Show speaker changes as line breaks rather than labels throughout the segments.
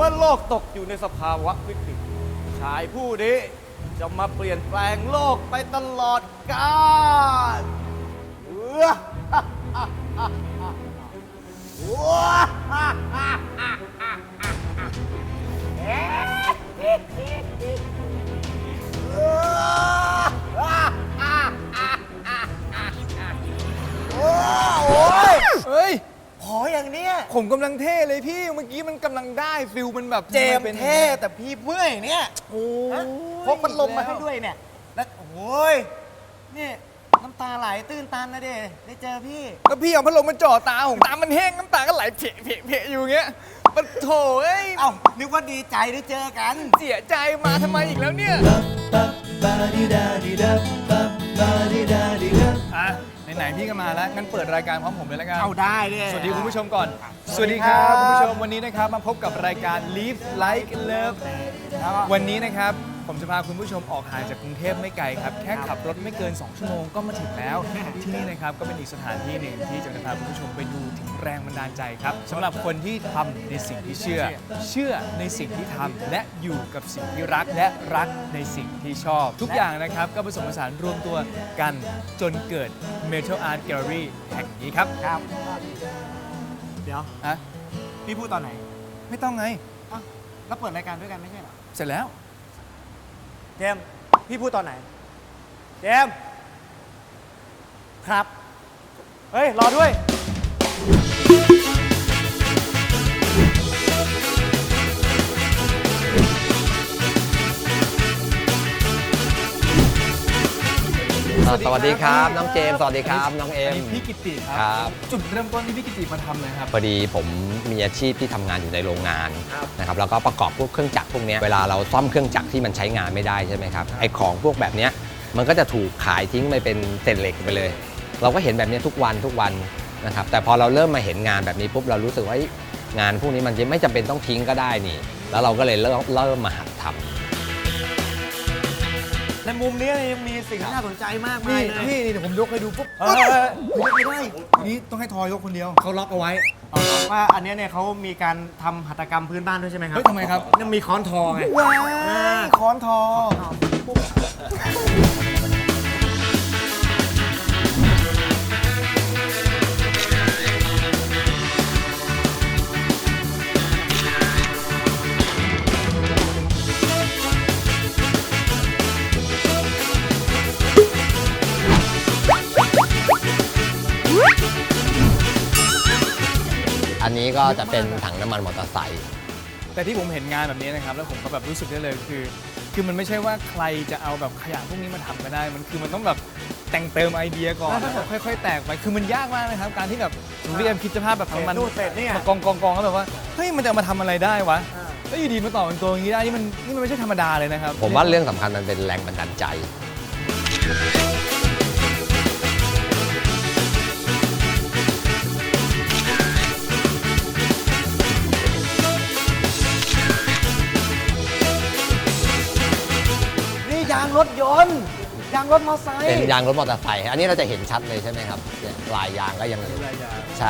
มื่อโลกตกอยู่ในสภาวะวิกฤตชายผู้นี้จะมาเปลี่ยนแปลงโลกไปตลอดกาล
เฮ้ย
ขออย่างเนี้ย
ผมกำลังเท่เลยพี่ เมื่อกี้มันกำลังได้ฟิลมันแบบ
เจม
เป็น
เท่แต่พี่เมื่อยเนี่ย
โอ้
พกพัดลมมาให้ด้วยเนี่ยแล้วโอ้ยนี่น้ำตาไหลตื้นตันนะเด้ได้เจอพี่
ก็พี่เอาพัดลมมาจ่อตาผมตามันแห้งน้ำตาก็ไหลเพะอยู่อย่างเงี้ยมันโถเอ้ย
เอ้านึกว่าดีใจได้เจอกัน
เสียใจมาทำไมอีกแล้วเนี่ยอ่ะไหนๆพี่ก็มาแล้วงั้นเปิดรายการพร้อมผมเลยแล้วกัน
เอาได้เลย
สวัสดีคุณผู้ชมก่อน สวัสดีครับคุณผู้ชมวันนี้นะครับมาพบกับรายการ Live Like Love วันนี้นะครับผมจะพาคุณผู้ชมออกห่างจากกรุงเทพไม่ไกลครับแค่ขับรถไม่เกิน 2 ชั่วโมงก็มาถึงแล้ว ที่นี่นะครับก็เป็นอีกสถานที่หนึ่งที่จะพาคุณผู้ชมไปดูถึงแรงบันดาลใจครับสำหรับคนที่ทำในสิ่งที่เชื่อในสิ่งที่ทำและอยู่กับสิ่งที่รักและรักในสิ่งที่ชอบ ทุกอย่างนะครับก็ผสมผสานรวมตัวกันจนเกิด Metal Art Gallery แห่งนี้ครับ
ครับ เดี๋ยว
อะ
พี่พูดตอนไหน
ไม่ต้องไง
อ้าวแล้วเปิดรายการด้วยกันไม่ใช่เหรอ
เสร็จแล้ว
เจมส์พี่พูดตอนไหน เจมส์ครับ เฮ้ย รอด้วย
สวัสดีครับน้องเจมส์สวัสดีครับน้องเอ็ม
พี่กิติค
ค
รั
รับ
จุดเริ่มต้นที่พี่กิติมาทำเลยครับ
พอดีผมมีอาชีพที่ทำงานอยู่ในโรงงาน
ครับ
นะครับแล้วก็ประกอบพวกเครื่องจักรพวกเนี้ยเวลาเราซ่อมเครื่องจักรที่มันใช้งานไม่ได้ใช่ไหมครับไอ้ของพวกแบบเนี้ยมันก็จะถูกขายทิ้งไปเป็นเศษเหล็กไปเลย เราก็เห็นแบบเนี้ยทุกวันนะครับแต่พอเราเริ่มมาเห็นงานแบบนี้ปุ๊บเรารู้สึกว่าเอ้ยงานพวกนี้มันไม่จำเป็นต้องทิ้งก็ได้นี่ แล้วเราก็เลยเริ่มมาหัดทำ
ในมุมนี้ยังมีสิ่งที่น่าสนใจมากมา
นี่
ยเลย
พี่นี่เดี๋ยวผมยกให้ดูปุ๊บ
เฮ้ย
ไม่ได้นี่ต้องให้ทอยยกคนเดียวเขาล็อกเอาไว้
ว่าอันเนี้ยเนี่ยเขามีการทำหัตถกรรมพื้นบ้านด้วยใช่ไหมครับ
เฮ้ยทำไมครับ
นี่มีค้อนทอไง
ว้ายค้อนทอ
อันนี้ก็จะเป็นถังน้ำมันมอเตอร์ไซค์
แต่ที่ผมเห็นงานแบบนี้นะครับแล้วผมก็แบบรู้สึกได้เลยคือมันไม่ใช่ว่าใครจะเอาแบบขยะพวกนี้มาทำก็ได้มันต้องแบบแต่งเติมไอเดียก่อนแล้วแบบค่อยๆ แตกไปคือมันยากมากนะครับการที่แบบหนูเรียนคิดสภาพแบบน้ำมัน
นู่นเสร็จเนี่ย
มากองแล้วแบบว่าเฮ้ยมันจะเอามาทำอะไรได้วะแล้วอยู่ดีมาต่อเป็นตัวอย่างนี้ได้นี่มันไม่ใช่ธรรมดาเลยนะครับ
ผมว่าเรื่องสำคัญมันเป็นแรงบันดาลใจ
นี่ยางรถยนต์ ยางรถมอเตอร์ไซค์
เป็นยางรถมอเตอร์ไซค์อันนี้เราจะเห็นชัดเลยใช่ไหมครับเนี่ยลายยางก็ยังอยู่ใช่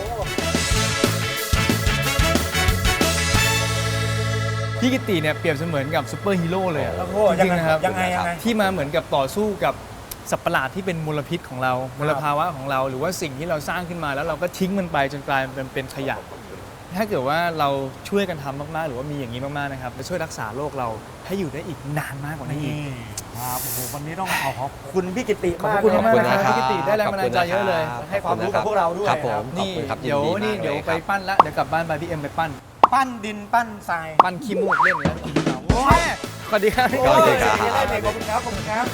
พี่กิติเนี่ยเปรียบเสมือนกับซูเปอร์ฮีโร่เลยอะ
โอ้โห
จริงๆนะครับ
ยังไง
ที่มาเหมือนกับต่อสู้กับสัตว์ประหลาดที่เป็นมลพิษของเรามลภาวะของเรา หรือว่าสิ่งที่เราสร้างขึ้นมาแล้วเราก็ทิ้งมันไปจนกลายเป็นขยะ ถ้าเกิดว่าเราช่วยกันทำมากๆหรือว่ามีอย่างนี้มากๆนะครับจะช่วยรักษาโลกเราให้อยู่ได้อีกนานมากกว่านี้อีก
ครับโอ้โหวันนี้ต้องขอบคุณพี่กิติ
ขอบคุณมาก
เล
นะ
ย
ครับพี่กิติได้แรงบันดาลใจเยอะเลย
ให้ความรู้กับพวกเราด้วย
ครับผม
นี่
ขอบคุณครับ
เดี๋ยว
ยินดี
นี่
มาก
เดี๋ยว
ล
ไป
ครับ
ปั้นละเดี๋ยวกลับบ้านไปพี่เอ็มไปปั้น
ปั้นดินปั้นทราย
ปั้นขี้มูกเล่นเลยโอ้ยสวัสดีครับ
สวัสดีครับ
ขอบคุณครับขอบคุณครับ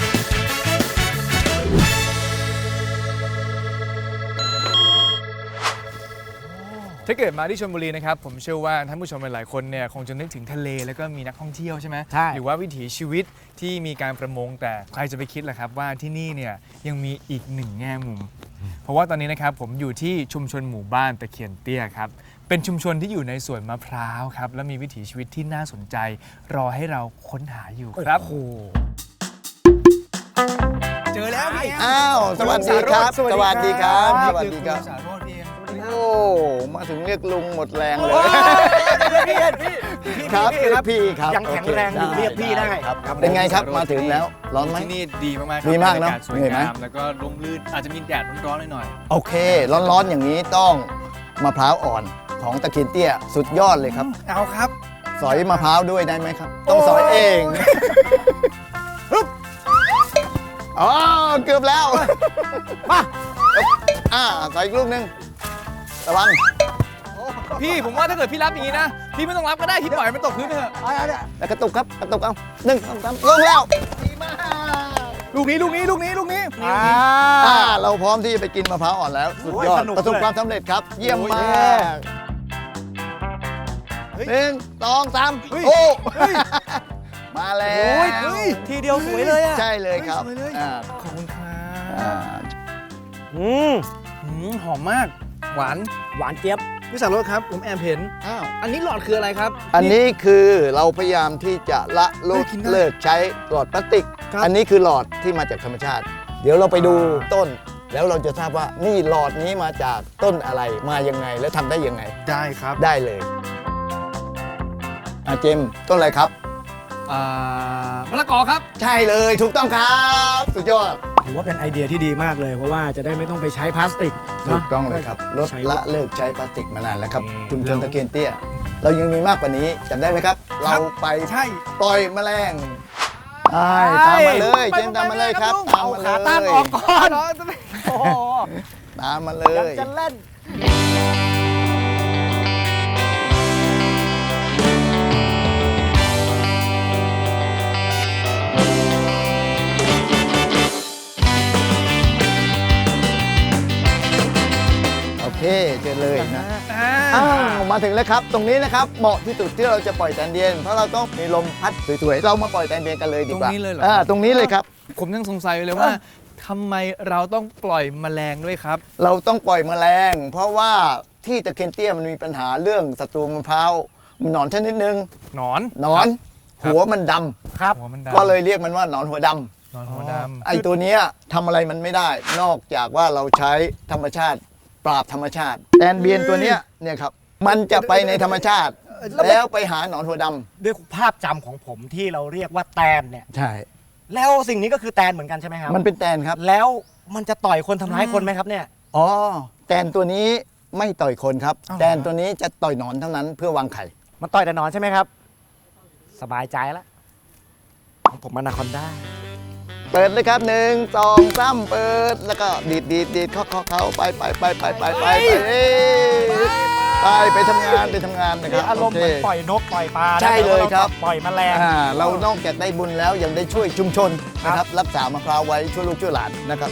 ถ้าเกิดมาที่ชลบุรีนะครับผมเชื่อว่าท่านผู้ชมหลายๆคนเนี่ยคงจะนึกถึงทะเลแล้วก็มีนักท่องเที่ยวใช่ไหม
ใช่
หรือว่าวิถีชีวิตที่มีการประมงแต่ใครจะไปคิดล่ะครับว่าที่นี่เนี่ยยังมีอีกหนึ่งแง่มุม เพราะว่าตอนนี้นะครับผมอยู่ที่ชุมชนหมู่บ้านตะเคียนเตี้ยครับเป็นชุมชนที่อยู่ในสวนมะพร้าวครับและมีวิถีชีวิตที่น่าสนใจ รอให้เราค้นหาอยู่ครับเจอแล้วพี่
อ้าว สวัสดีครับ สวัสดีครับ สวัสดีครับ
สารโรจน์พี่เอ็ม
โอ้มาถึงเรียกลุงหมดแรงเลย
พี่พี่
ครับ
พี่
พี่ครับ
ยังแข็งแรงอยู่
โอค
เรียกพี่ได้
ครับเป็นไงครับมาถึงแล้วร้อนไหม
ที่นี่ดีมากๆ
ดีมากเนอะ
บรรยศสวย
เหนื่อยไหม
งามแล้วก็ร่มรื่นอาจจะมีแดดร้อนๆหน่อย
โอเค ร้อนๆอย่างนี้ต้องมะพร้าวอ่อนของตะเคียนเตี้ยสุดยอดเลยครับ
เอาครับ
สอยมะพร้าวด้วยได้ไหมครับ ต้องสอยเองฮึบอ๋อเกือบแล้วมาสอยอีกลูกหนึงระวัง
พี่ผมว่าถ้าเกิดพี่รับอย่างนี้นะ พี่ไม่ต้องรับก็ได้พี่ปล่อยมันตกพื้นไปเถอะ
แล้วกระตุกครับกระตุกเอา1 2 3ลงแล้วดีมาก
ลูกนี้ลูกนี้ลูกนี้ลูกนี้
เราพร้อมที่จะไปกินมะพร้าวอ่อนแล้ว สุดยอด
สนุก
ประสบ
เลย
ความสำเร็จครับ เยี่ยม
โอ้ย
มาก
เฮ้ย
1 2 3
เฮ้ย
โอ้
เฮ้ย
มาแล้
โอ้
วย
ทีเดียวสวยเลยอ่ะ
ใช่เลยครับ
สวยเลย
อ่า
ขอบคุณครั
อ่า
บ
อืม
หอมมาก หวาน
หวานเจี๊ยบ
พี่สารรถครับ ผมแอบเห็น
อ้าว
อันนี้หลอดคืออะไรครับ
อันนี้คือเราพยายามที่จะละเลิ
เฮ้
ก
ยกินได้
เลิกใช้หลอดพลาสติก
ครับ
อันนี้คือหลอดที่มาจากธรรมชาติ เดี๋ยวเราไปดูต้น แล้วเราจะทราบว่านี่หลอดนี้มาจากต้นอะไรมายังไงและทำได้ยังไง
ได้ครับ
ได้เลยเจมส์ต้นอะไรครับ
มะละกอครับ
ใช่เลยถูกต้องครับสุดยอด
ถือว่าเป็นไอเดียที่ดีมากเลย เพราะว่าจะได้ไม่ต้องไปใช้พลาสติก
ถู
เนาะ
กต้องเลยครับลด
ใช้
ละเลิกใช้พลาสติกมานานแล้วครับ
อืม
ชุมชนตะเกียนเตี้ย เรายังมีมากกว่านี้จำได้ไหมครับ เราไป
ใช่
ปล่อยแมลงใช่ตามมาเลยเจมส์ตามมาเลยครับตาม
เอา
มา
ขา
เล
ตั้ง
ย
ออกก่อนโอ้โห
ตามมาเล
ยัง
ย
จะเล่น
โอเคเจอเลยนะอ้าวมาถึงแล้วครับ ตรงนี้นะครับเหมาะที่สุดที่เราจะปล่อยแตนเดียน เพราะเราต้องมีลมพัดสวยๆเรามาปล่อยแตนเดียนกันเลยดีกว่า
ตรงนี้เลยเหรอครับ
ตรงนี้เลยครับ
ผมยังสงสัยอยู่เลยว่าทำไมเราต้องปล่อยแมลงด้วยครับ
เราต้องปล่อยแมลง เพราะว่าที่ตะเคียนเตี้ยมันมีปัญหาเรื่องศัตรูมะพร้าวหนอนชนิดหนึ่ง
หนอน
หนอน
ครับ
หัวมันดำ
ครับ
หัวมันดำ
ก็เลยเรียกมันว่าหนอนหัวดำ
หนอนหัวดำ
ไอ้ตัวเนี้ยทำอะไรมันไม่ได้ นอกจากว่าเราใช้ธรรมชาติปราบธรรมชาติแตนเบียนตัวเนี้ยเนี่ยครับมันจะไปในธรรมชาติ แล้วไปหาหนอนหัวดำ
ด้วยภาพจำของผมที่เราเรียกว่าแตนเนี่ย
ใช่
แล้วสิ่งนี้ก็คือแตนเหมือนกันใช่ไหมครับ
มันเป็นแตนครับ
แล้วมันจะต่อยคนทำร้ายคนไหมครับเนี่ย
อ๋อแตนตัวนี้ไม่ต่อยคนครับ
อ้าว
แตนตัวนี้จะต่อยหนอนเท่านั้นเพื่อวางไข่
มันต่อยแต่หนอนใช่ไหมครับ สบายใจแล้วของผมอนาคอนด้า
เปิดเลยครับ1 2 3เปิดแล้วก็ดีดเข้าไปไปทำงานนะครับ
อารมณ์เหมือน
โค
ปล่อยนกปล่อยปลา
ใช่เลยครับ
ปล่อยแมลง
เรานอกจากได้บุญแล้วยังได้ช่วยชุมชนนะครับรักษามะพร้าวไว้ช่วยลูกช่วยหลานนะครับ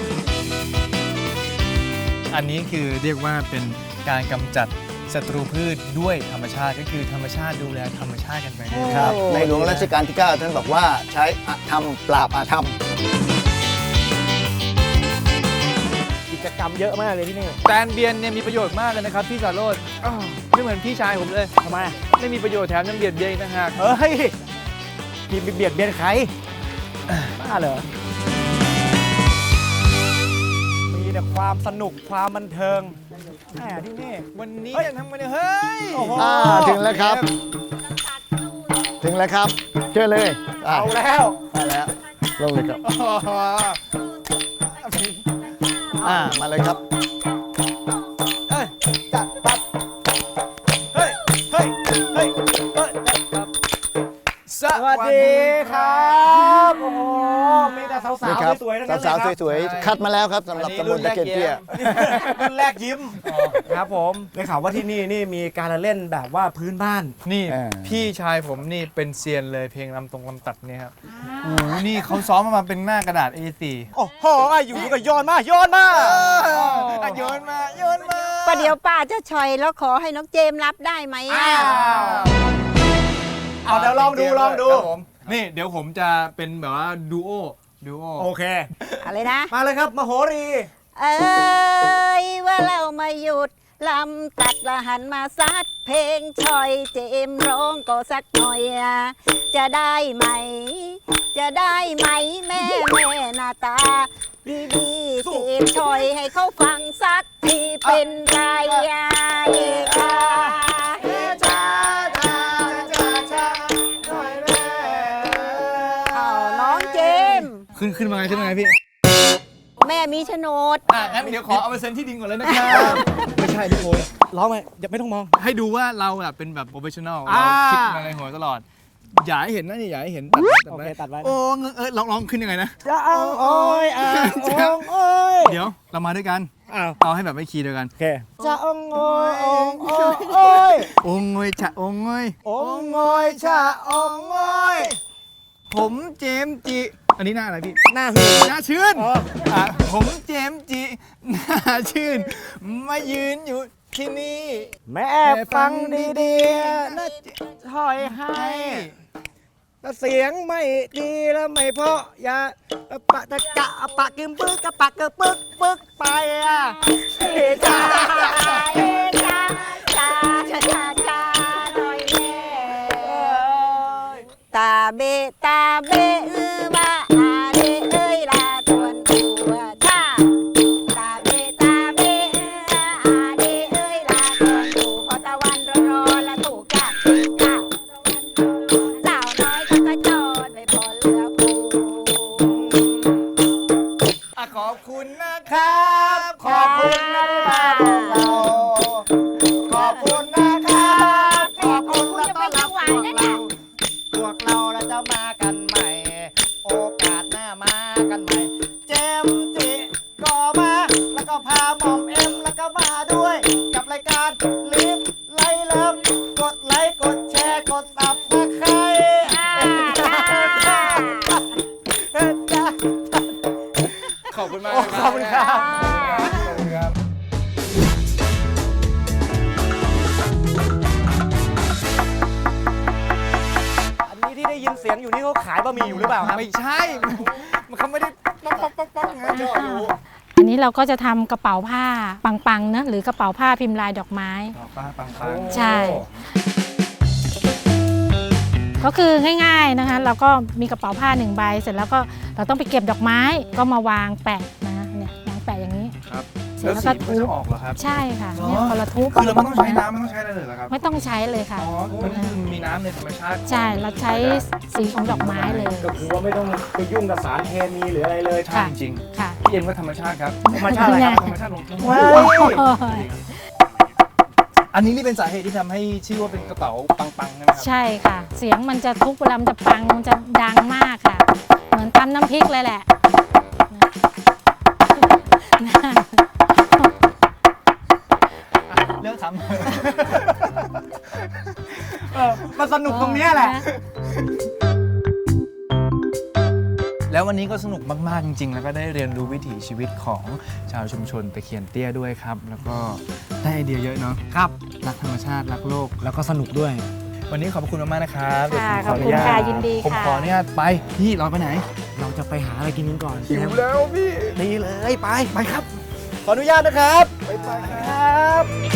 อันนี้คือเรียกว่าเป็นการกำจัดศัตรูพืชด้วยธรรมชาติก็คือธรรมชาติดูแลธรรมชาติกันไปเรื่อยๆ
ครับในหลวงรัชกาลที่ 9 ท่านบอกว่าใช้อธรรมปราบอาธรรม
กิจกรรมเยอะมากเลยที่นี่
แตนเบียนเนี่ยมีประโยชน์มากเลยนะครับพี่สารโรจน์ไม่เหมือนพี่ชายผมเลย
ทำไม
ไม่มีประโยชน์แถมยังเบียดเบียนอีกต่างหาก
เฮ้ยพี่เบียดเบียนใครบ้าเหรอ มีแต่ความสนุกความบันเทิงแหมที่นี่
วันนี้
เฮ้ย
จะทำมาเนี่ยเฮ้ย
โอ้โห
ถึงแล้วครับ ถึงแล้วครับเชิญเลย
เอาแล้ว
มาแล้วลงเลยครับมาเลยครับ
เฮ้ยจัดปั๊บเฮ้ยเฮ้ยเฮ้ยเฮ้ย
ส
สวัสดีครับโอ้โหมีแต่สาว
นี่ครับ
ๆสวยๆทั้งนั้นเลย
สาว
ครับ
ๆสวยๆคัดมาแล้วครับสำหรับตำบลตะเคียนเตี้ย
รุ่นแรกยิ้มครับผมได้ข่าวว่าที่นี่นี่มีการละเล่นแบบว่าพื้นบ้าน
นี่
อ่า
พี่ชายผมนี่เป็นเซียนเลยเพลงลำตรงลำตัดเนี่ยครับโอ้โหนี่เขาซ้อมมาเป็นหน้ากระดาษ A4
โอ้โหอยู่ๆก็โยนมาโยนมา
โยนมาโยนมา
ประเดี๋ยวป้าจะชอยแล้วขอให้น้องเจมส์รับได้ไหมอ่ะ
เอาเดี๋ยวลองดูลองดู
ครับผมนี่เดี๋ยวผมจะเป็นแบบว่าดูโอ
โอเค
อะไรนะ
มาเลยครับมโหรี
เอ้ยว่าเรามาหยุดลำตัดละหันมาซัดเพลงชอยเจมส์ร้องก็สักหน่อยอะจะได้ไหม จะได้ไหมแม่หน้าตา ดีๆเจมส์ชอยให้เขาฟังสักทีเป็นไรอะ
ขึ้นมาไงพี่
แม่มีโฉนด
งั้นเดี๋ยวขอเอาไปเซ็นที่ดินก่อนเลยนะครับไม่ใช่พี่โอย
ร้องไหมอย่าไม่ต้องมอง
ให้ดูว่าเราอะเป็นแบบโปรเฟชชั่นอล
อ่า
เราคิดมาในหัวตลอด อย่าให้เห็นนะนี่อย่าให้เห็นตัดไว้
โอเคตัดไว้
โอ้ลองขึ้นยังไงนะ
จะเอาโอ้ยองโอ้ย
เดี๋ยวเรามาด้วยกัน
อ้าว
เอาให้แบบไม่คีย์เดียวกัน
โอเคจะองโอ้ยองโอ้ยโอ้ย
องงอยชะองงอย
องโอ้ยชาองโอ้ย
ผมเจมส์จิ อันนี้หน้าอะไรพี่
หน้าหืน
หน้าชื่น
อ๋อ
ผมเจมส์จิหน้าชื่น มายืนอยู่ที่นี่
แม่ฟังดีๆนะถอยให้ถ้าเสียงไม่ดีแล้วไม่เพราะอย่าปะตะกะปะกึมปึ๊กกะปะกึมปึ๊กไปอ่ะเฮ้จ้า
ตาเบตาเบว่าอาเดเอ้ยลาตวนตัวท่าตาเบตาเบอาเดเอ้ยลาตวนตัวพอตะวันร้อนๆละถูกจับจ้าสาวน้อยเขาก็จอดไปพอเรือปู
ขอบคุณนะครับ
ขอบคุณนะที่มาพวกเรา ขอบคุณนะครับขอบคุณและต้อนรับพวกเรา พวกเราจะมากันใหม่ โอกาสหน้ามากันใหม่ เจมส์จิก็มาแล้วก็พาหม่อมเอ็มแล้วก็มาด้วย กับรายการลิฟไลเลิฟกดไลค์กดแชร์กดซับสไครต์
ขอบคุณมาก
ขอบคุณครับ
ขอบคุณครับ
อันนี้ที่ได้ยินเสียงอยู่นี่เขาขายบะหมี่อยู่หรือเปล่าครับ
ไม่ใช่ มันเขาไม่ได้ป๊อกไงยอดอยู่
อันนี้เราก็จะทำกระเป๋าผ้าปังๆนะหรือกระเป๋าผ้าพิมพ์ลายดอกไม้
ป้าปัง
ใช่ ก็คือง่ายๆนะคะ เราก็มีกระเป๋าผ้า1 ใบเสร็จแล้วก็เราต้องไปเก็บดอกไม้ก็มาวางแปะนะเนี่ยวางแปะอย่างนี้
ครับ
เสร็จ
แล้ว
แล้ว
สี
ก็
มัน
ทุ
จะ
บ
ออกเหรอครับ
ใช่ค่ะเนี่ยพอเราทุบ
คือเราไม่ต้องใช้น้ำไม่ต้องใช้อะไรเลยเหรอครับ
ไม่ต้องใช้เลยค่ะ
อ๋อมันคือมีน้ำในธรรมชาติ
ใช่เราใช้สีของดอกไม้เลย
ก็คือว่าไม่ต้องไปยุ่งกับสารเคมีหรืออะไรเลย
ใช่จริง
ค่ะ
ๆพี่เอ็นว่าธรรมชาติครับ
ธรรมชาติอะไรครับ
ธรรมชาติลงทุน
ว้าย
อันนี้นี่เป็นสาเหตุที่ทำให้ชื่อว่าเป็นกระเป๋าปังๆใช่ไหมครับ
ใช่ค่ะ เสียงมันจะทุบเวลามันจะปังมันจะดังมากค่ะ เหมือนตำน้ำพริกเลยแหละ
เลิกทำ
มันสนุกตรงเนี้ยแหละ
แล้ววันนี้ก็สนุกมาก ๆ จริง ๆ แล้วก็ได้เรียนรู้วิถีชีวิตของชาวชุมชนตะเคียนเตี้ยด้วยครับ แล้วก็ได้ไอเดียเยอะเนาะ
ครับ
รักธรรมชาติ รักโลก
แล้วก็สนุกด้วย
วันนี้ขอบคุณมาก ๆ นะครับ
ค่ะ
เดี๋ยวผม
ขอบคุณค่ะยินดี
ผม
ค่ะ
ขออนุญาตไป พี่เราไปไหน
เราจะไปหาอะไรกินกันก่อน
หิวแล้วพี่
ดีเลยไปครับ ขออนุญาตนะครับ
ไปค
ครับ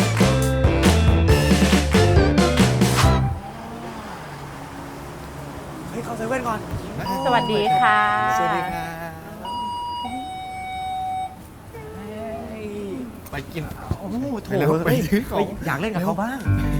เฮ้ยเข้าเซเว่นก่อน
สวัสดีค่ะ
สวัสดีครับไปกิน โอ้โหโถ
ไปแล้ว
ไปซื้อของ
อยากเล่นกับเขาบ้าง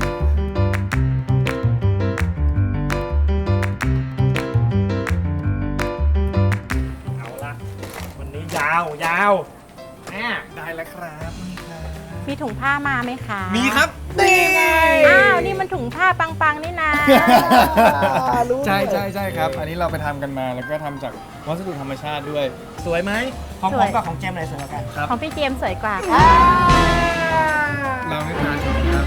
เอาละวันนี้ยาวแม่
ได้แล้วครับนี่ครับ
มีถุงผ้ามาไหมคะ
มีครับ นี่ไง
อ้าว นี่มันถุงผ้าปังๆนี่นะ
ใช่ครับ อันนี้เราไปทำกันมาแล้วก็ทำจากวัสดุธรรมชาติด้วย
สวยไหมของ
ส
ผ
วย
มกับของเจมส์ไหนสวยกว่ากัน
ของพี่เจมส์สวยกว่าค่ะ
เราไม่ทานครับ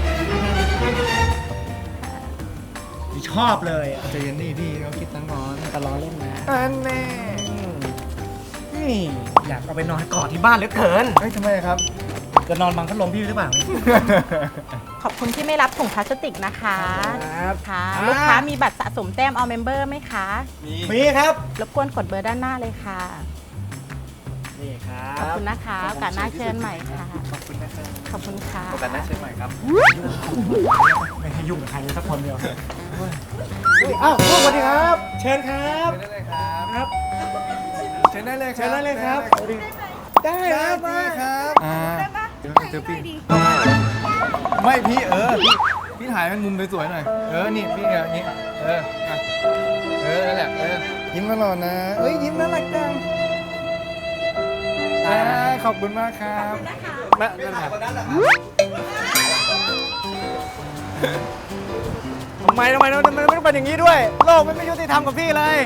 ชอบเลยอะ
ใจเย็นดิพี่เขาคิดตั้งก่อน
แต่ล้อเล่นนะ
อันแน่
นี่อยากเอาไปนอนกอดที่บ้านเหลือเกิน
เฮ้ยทำไมครับ
จะนอนบังพัดลมพี่หรือเปล่า
ขอบคุณที่ไม่รับถุงพลาสติกนะคะ
ครับ
ค่ะลูกค้ามีบัตรสะสมแต้มเอาเมมเบอร์ไหมคะ
มีครับ
รบกวนกดเบอร์ด้านหน้าเลยค่ะ
นี่ครั
ขอบบ คุณนะคะโอกาสหน้าเชิญใหม่ค่ะ
ขอบคุณนะครับ
ขอบคุณค่ะ
โอกาสหน้าเชิญใหม่ครับ
ไม่ให้ยุ่งกับใครเลยสักคนเดียวอ้าวสวัสดีครับ เชิญครับ
เชิญได้เลยครับ
ครับ
เชิญได้เลยครับ
เชิญได้เลยครับ ได้
ได้
ครับ
ได้ครับเจอพี่ไม่พี่พี่ถ่ายเป็นมุมสวยๆหน่อย นี่พี่อย่างนี้อ่ะนั่นแหละยิ้มตลอดนะเอ้ยยิ้มน่ารักจังขอบคุณมากครับมาทำไมไม่ต้องเป็นอย่างนี้ด้วย โลกไม่ยุติธรรมกับพี่เลย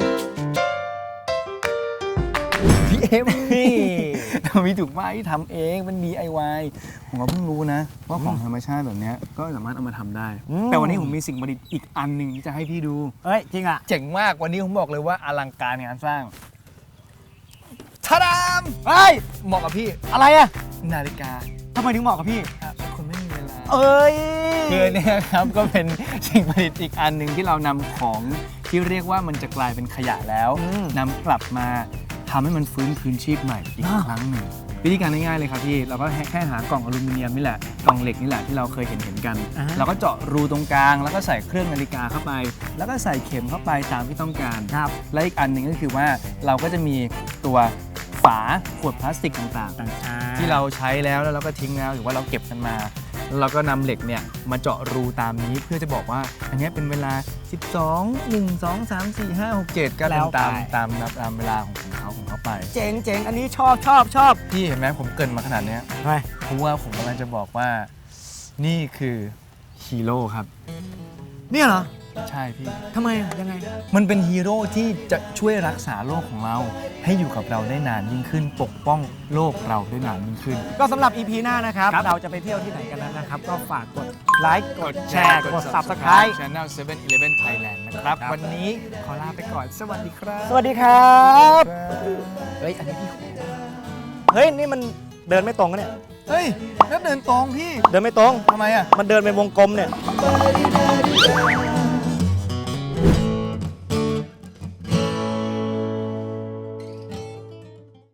พี่เอ็มนี่มีถูกไหมทำเองเป็น DIY ผมก็เพิ่งรู้นะว่าของธรรมชาติแบบนี้ก็สามารถเอามาทำได้ แต่วันนี้ผมมีสิ่งประดิษฐ์อีกอันหนึ่งที่จะให้พี่ดู
เฮ้ย จริงอ่ะ
เจ๋งมากวันนี้ผมบอกเลยว่าอลังการงานสร้างทาดามเฮ้ยเหมาะกับพี่
อะไรอ่ะ
นาฬิกา
ทำไมถึงเหมาะกับพี่
เป็นคนไม่มีเวลา
เอ้ย
คือเนี่ยครับก็เป็นสิ่งประดิษฐ์อีกอันหนึ่งที่เรานำของที่เรียกว่ามันจะกลายเป็นขยะแล้วนำกลับมาทำให้มันฟื้นคืนชีพใหม่อีกครั้งหนึ่งวิธีการง่ายๆเลยครับพี่เราก็แค่หากล่องอลูมิเนียมนี่แหละกล่องเหล็กนี่แหละที่เราเคยเห็นกันเราก็เจาะรูตรงกลางแล้วก็ใส่เครื่องนาฬิกาเข้าไป แล้วก็ใส่เข็มเข้าไปตามที่ต้องการครับและอีกอันหนึ่งก็คือว่าเราก็จะมีตัวฝาขวดพลาสติกต่างๆที่เราใช้แล้วเราก็ทิ้งแล้วหรือว่าเราเก็บกันมาแล้วเราก็นำเหล็กเนี่ยมาเจาะรูตามนี้เพื่อจะบอกว่าอันนี้เป็นเวลา 12 1 2 3 4 5 6 7 ก็เป็นตามเวลาของเขาไป
เจ๋งอันนี้ชอบ
พี่เห็นไหมผมเกรินมาขนาดเนี้ย
ทำไม
เพราะว่าผมกำลังจะบอกว่านี่คือฮีโร่ครับ
เนี่ยเหรอ
ใช่พี่
ทำไมอ่ะ ยังไง
มันเป็นฮีโร่ที่จะช่วยรักษาโลกของเรา ให้อยู่กับเราได้นานยิ่งขึ้น ปกป้องโลกเราได้นานยิ่งขึ้น
ก็สำหรับ EP หน้านะครับ
ครับ
เราจะไปเที่ยวที่ไหนกันนั้นนะครับ ก็ฝากกดไลค์ กดแชร์ กด Subscribe
Channel 7-Eleven Thailand นะครับ วันนี้ขอลาไปก่อน สวัสดีครับ
สวัสดีครับ เฮ้ย อันนี้พี่เฮ้ย นี่มันเดินไม่ตรงนะเนี่ย
เฮ้ยแล้วเดินตรงพี่
เดินไม่ตรง
ทำไมอ่ะ
มันเดินเป็นวงกลมเนี่ย